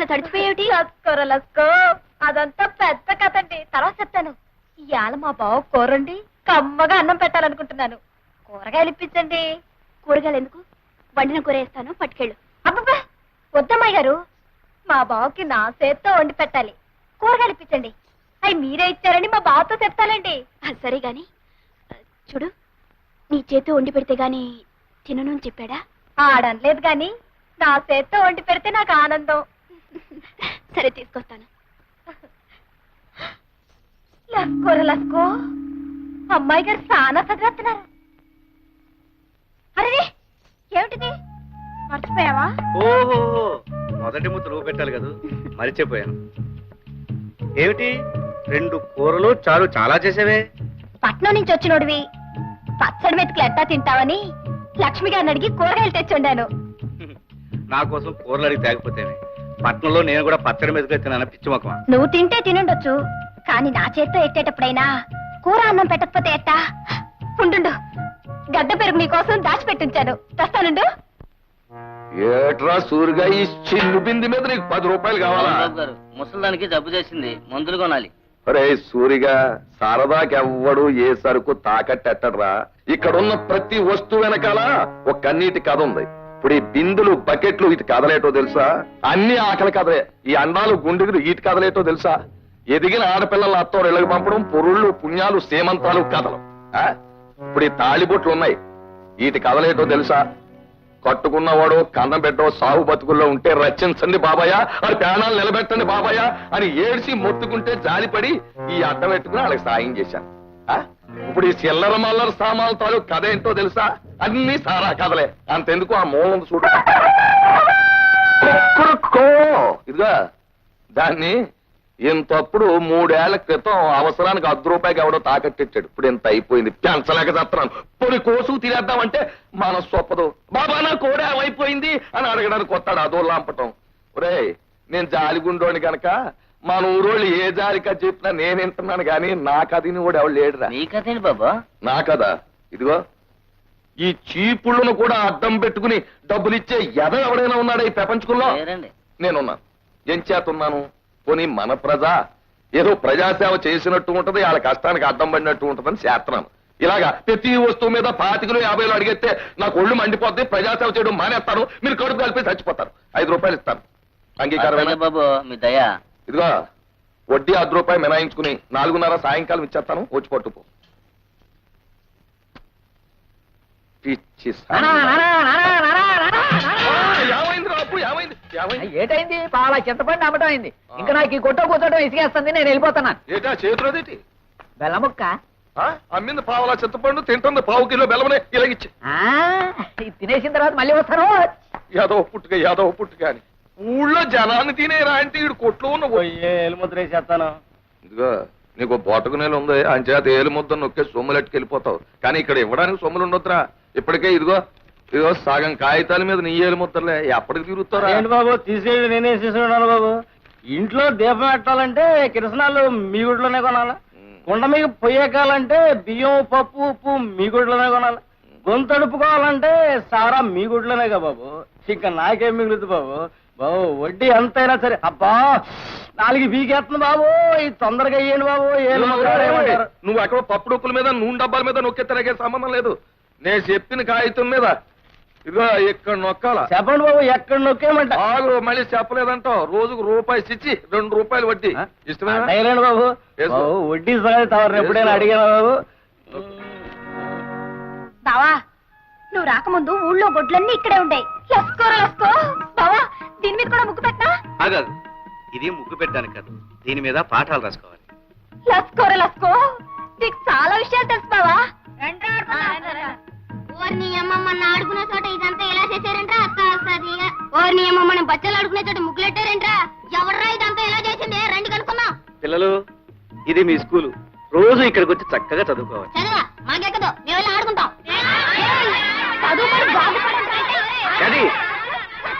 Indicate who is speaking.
Speaker 1: అలా తడిచిపోయేటి?
Speaker 2: లస్కో అదంతా పెద్ద కథ అండి, తర్వాత చెప్తాను. ఇవాళ మా బావ కూరండి కమ్మగా అన్నం పెట్టాలనుకుంటున్నాను. కూరగాయలు ఇప్పించండి.
Speaker 1: కూరగాయలు ఎందుకు? వండిన కూర వేస్తాను, పట్టుకెళ్ళు.
Speaker 2: అబ్బబ్బా వద్దమ్మాయి గారు, మా బావకి నా చేత్తో వండి పెట్టాలి. కూరగాయలు ఇప్పించండి. అవి మీరే ఇచ్చారని మా బావతో చెప్తానండి.
Speaker 1: సరే గాని చూడు, నీ చేతితో వండి పెడితే గాని తినను అని చెప్పాడా?
Speaker 2: ఆడనలేదు గాని నా చేత్తో వండి పెడితే నాకు ఆనందం.
Speaker 1: సరే తీసుకొస్తాను.
Speaker 2: లస్కోర లస్కో, అమ్మాయి గారు చాలా చదివేస్తున్నారు. అరే ఏమిటిది, మర్చిపోయావా?
Speaker 3: ఓహో, మొదటి ముద్ద నువ్వు పెట్టాలి కదా, మరిచిపోయాను. ఏమిటి 2 కూరలు చాలు, చాలా చేసేవే.
Speaker 2: పట్నం నుంచి వచ్చినోడివి పచ్చడి మెతుకులు ఎట్టా తింటావని లక్ష్మి గారిని అడిగి కూరగాయలు తెచ్చుండాను.
Speaker 3: నా కోసం కూరలు అడిగి తేకపోతేనే. పట్నంలో నేను కూడా పచ్చడి మెతుకులు తిన్నాను, పిచ్చి మొక్కమా.
Speaker 2: నువ్వు తింటే తినుండొచ్చు, కానీ నా చేత్తో ఎట్టేటప్పుడైనా కూర అన్నం పెట్టకపోతే ఎట్టా? ఉండు, గడ్డ పెరుగు నీ కోసం దాచిపెట్టించాను, తెస్తానుండు.
Speaker 4: ఏట్రా సూరిగా, ఈ చిల్లు బింది మీద నీకు 10 రూపాయలు కావాలా?
Speaker 5: ముసలిదానికి జబ్బు చేసింది, మందులు కొనాలి.
Speaker 4: అరే సూరిగా, సరదాకెవ్వడు ఏ సరుకు తాకట్టెట్టడ్రా. ఇక్కడున్న ప్రతి వస్తువు వెనకాల ఒక కన్నీటి కథ ఉంది. ఇప్పుడు ఈ బిందులు బకెట్లు ఇటు కదలేటో తెలుసా? అన్ని ఆకలి కథలే. ఈ అండాలు గుండెలు ఇటు కదలేటో తెలుసా? ఎదిగిన ఆడపిల్లల అత్తోరు ఇళ్ళకి పంపడం, పొరుళ్ళు పుణ్యాలు సేమంతాలు కథలు. ఇప్పుడు ఈ తాళిబొట్లు ఉన్నాయి, వీటి కదలేటో తెలుసా? కట్టుకున్నవాడు కన్నం పెట్టో సాగు బతుకుల్లో ఉంటే రచించండి బాబాయ్, అది ప్రాణాలు నిలబెట్టండి బాబాయ్ అని ఏడ్చి మొత్తుకుంటే జాలిపడి ఈ అడ్డం పెట్టుకుని వాళ్ళకి సాయం చేశాను. ఇప్పుడు ఈ చిల్లర మల్లర సామాన్ల తాలూకు కథ ఏంటో తెలుసా? అన్ని సారా కథలే. అంతెందుకు, ఆ మూలం చూడు. ఇదిగా దాన్ని ఇంతప్పుడు 3 ఏళ్ల క్రితం అవసరానికి 10 రూపాయకి ఎవడో తాకట్టిచ్చాడు. ఇప్పుడు ఇంత అయిపోయింది, పెంచలేక చేస్తున్నాను. పొడి కోసు తినేద్దామంటే మనసు ఒప్పదు. బాబా నా కోడే అయిపోయింది అని అడగడానికి వస్తాడు, అదో లాంపటం. ఒరే నేను జాలిగుండోని గనక మన ఊరోళ్ళు ఏ జాలికా చెప్పినా నేను వింటున్నాను గాని నా కథని కూడా ఎవడు లేడురా.
Speaker 5: నీ కథేంటి బాబా?
Speaker 4: నా కదా ఇదిగో, ఈ చీపుళ్ళను కూడా అడ్డం పెట్టుకుని డబ్బులు ఇచ్చే ఎద ఎవడైనా ఉన్నాడా ఈ ప్రపంచంలో? నేనున్నాను. ఏం చేతున్నాను? పోనీ మన ప్రజ ఏదో ప్రజాసేవ చేసినట్టు ఉంటది, వాళ్ళ కష్టానికి అడ్డం పడినట్టు ఉంటదని చేస్తున్నాను. ఇలాగా ప్రతి వస్తువు మీద 25 50 అడిగితే నాకు ఒళ్ళు మండిపోద్ది, ప్రజాసేవ చేయడం మానేస్తాను, మీరు కడుపు కలిపి చచ్చిపోతారు. 5 రూపాయలు ఇస్తాను, అంగీకారమైన
Speaker 5: బాబు? మీ దయా.
Speaker 4: ఇదిగో వడ్డీ 10 రూపాయలు మినాయించుకుని 4:30 సాయంకాలం ఇచ్చేస్తాను, వచ్చి పట్టుకో. పిచ్చి
Speaker 6: ఏటైంది? పాల చింతపండు అమ్మటం అయింది. ఇంకా నాకు ఈ కొట్ట కూర్చోటం ఇసుకేస్తుంది, నేను వెళ్ళిపోతున్నాను.
Speaker 4: ఏటా చేతులదేటి?
Speaker 6: బెల్లముక్క
Speaker 4: అమ్మింది పావులా చింతపండు, తింటుంది 1/2 కిలో బెల్లమనే ఇలాగిచ్చి.
Speaker 6: తినేసిన తర్వాత మళ్ళీ వస్తాను.
Speaker 4: యాదవ పుట్టుక అని ఊళ్ళో జనాన్ని తినేరా అంటే ఈడు కొట్లో ఉన్న
Speaker 5: ఏలుముద్ర వేసేస్తాను.
Speaker 4: ఇదిగో నీకు బోటకు నేలు ఉంది, అంచేత ఏలు ముద్ద నొక్కే సొమ్ములెట్టుకు వెళ్ళిపోతావు. కానీ ఇక్కడ ఇవ్వడానికి సొమ్ములు ఉండొద్దురా. ఇప్పటికే ఇదిగో సగం కాగితాల మీద నీ ఏలు ముద్దలే, ఎప్పటికి తిరుగుతారా?
Speaker 5: ఏంటి బాబు తీసేది? నేనే తీసుకున్నాను బాబు. ఇంట్లో దీపం పెట్టాలంటే కిరసనాలు మీ గుడిలోనే కొనాలి, కుండ మీద పొయ్యకాలంటే బియ్యం పప్పు ఉప్పు మీ గుడిలోనే కొనాలి, గొంతు అడుపుకోవాలంటే సారా మీ గుడిలోనేగా బాబు. ఇంకా నాకేం మిగులుతుంది బాబు? బాబు వడ్డీ ఎంతైనా సరే. అబ్బా 4 బీకేస్తుంది బాబు, ఇది తొందరగా అయ్యండి బాబు.
Speaker 4: నువ్వు ఎక్కడ పప్పు డొక్కుల మీద నూనె డబ్బాల మీద నొక్కెత్తరాగే సంబంధం లేదు. నేను చెప్పిన కాగితం మీద ఇదిగో ఇక్కడ నొక్కాల.
Speaker 5: చెప్పండి బాబు, ఎక్కడ నొక్కేయమంట?
Speaker 4: ఆగు, మళ్ళీ చెప్పలేదంటావు. రోజుకు ₹1 ఇచ్చి 2 రూపాయలు వడ్డీ.
Speaker 5: ఇష్టమేనా బాబు? వడ్డీ సంగతి తవరు ఎప్పుడైనా అడిగానా బాబు?
Speaker 2: బావా నువ్వు రాకముందు ఊళ్ళో గొడ్లన్నీ ఇక్కడే ఉంటాయి. లస్కో బావా, దీని మీద కూడా ముగ్గు పెట్టా?
Speaker 3: ఆగాదు, ఇది ముగ్గు పెట్టడానికి కాదు, దీని మీద పాఠాలు రాసుకోవాలి.
Speaker 2: లస్కో నీకు చాలా విషయాలు తెలుసు బావా.
Speaker 1: ఓర్ని అమ్మమ్మని ఆడుకునే చోట ఇదంతా ఎలా చేశారంట్రా? అక్క వస్తుంది. ఓర్ని అమ్మమ్మని బచ్చలు ఆడుకునే చోట ముగ్గులెట్టారంట్రా? ఎవర్రా ఇదంతా ఎలా చేసింది? రండి కనుక్కుందాం.
Speaker 3: పిల్లలు, ఇది మీ స్కూలు, రోజు ఇక్కడికి వచ్చి చక్కగా చదువుకోవాలి.
Speaker 1: చదువా మాకెక్కదు, మేము వెళ్ళి ఆడుకుంటాం.
Speaker 2: చదువుకొని బాగుపడండి.